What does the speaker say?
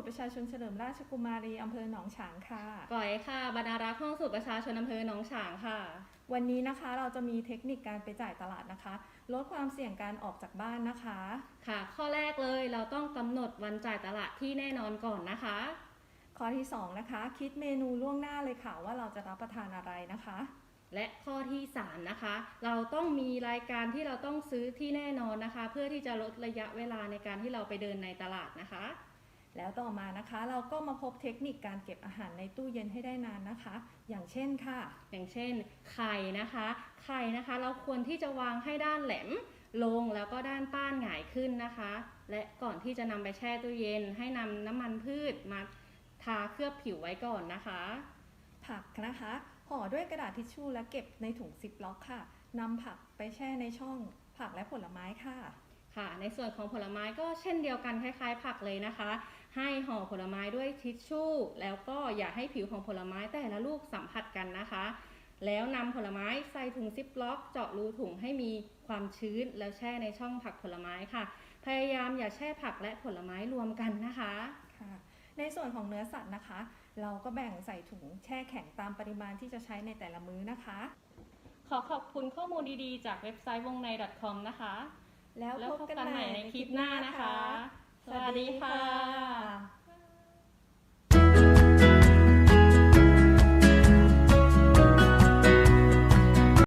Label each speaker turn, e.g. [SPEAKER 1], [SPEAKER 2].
[SPEAKER 1] ตรประชาชนเฉลิมราชกุมารีอำเภอหนองฉางค่ะ
[SPEAKER 2] ก๋อยค่ะบรรณารักษ์ห้องสูตรประชาชนอำเภอหนองฉางค่ะ
[SPEAKER 1] วันนี้นะคะเราจะมีเทคนิคการไปจ่ายตลาดนะคะลดความเสี่ยงการออกจากบ้านนะคะ
[SPEAKER 2] ค่ะข้อแรกเลยเราต้องกำหนดวันจ่ายตลาดที่แน่นอนก่อนนะคะ
[SPEAKER 1] ข้อที่2นะคะคิดเมนูล่วงหน้าเลยค่ะว่าเราจะรับประทานอะไรนะคะ
[SPEAKER 2] และข้อที่3นะคะเราต้องมีรายการที่เราต้องซื้อที่แน่นอนนะคะเพื่อที่จะลดระยะเวลาในการที่เราไปเดินในตลาดนะคะ
[SPEAKER 1] แล้วต่อมานะคะเราก็มาพบเทคนิคการเก็บอาหารในตู้เย็นให้ได้นานนะคะอย่างเช่นค่ะ
[SPEAKER 2] อย่างเช่นไข่นะคะเราควรที่จะวางให้ด้านแหลมลงแล้วก็ด้านป้านหงายขึ้นนะคะและก่อนที่จะนำไปแช่ตู้เย็นให้นำน้ำมันพืชมาทาเคลือบผิวไว้ก่อนนะคะ
[SPEAKER 1] ผักนะคะห่อด้วยกระดาษทิชชู่และเก็บในถุงซิปล็อกค่ะนำผักไปแช่ในช่องผักและผลไม้ค่ะ
[SPEAKER 2] ค่ะในส่วนของผลไม้ก็เช่นเดียวกันคล้ายๆผักเลยนะคะให้ห่อผลไม้ด้วยทิชชู่แล้วก็อย่าให้ผิวของผลไม้แต่ละลูกสัมผัสกันนะคะแล้วนำผลไม้ใส่ถุงซิปล็อกเจาะรูถุงให้มีความชื้นแล้วแช่ในช่องผักผลไม้ค่ะพยายามอย่าแช่ผักและผลไม้รวมกันนะคะ
[SPEAKER 1] ค่ะในส่วนของเนื้อสัตว์นะคะเราก็แบ่งใส่ถุงแช่แข็งตามปริมาณที่จะใช้ในแต่ละมื้อนะคะ
[SPEAKER 2] ขอขอบคุณข้อมูลดีๆจากเว็บไซต์วงใน .com นะคะ
[SPEAKER 1] แล้วพบกันใหม่ในคลิปหน้านะคะ
[SPEAKER 2] สวัสดีค่ะ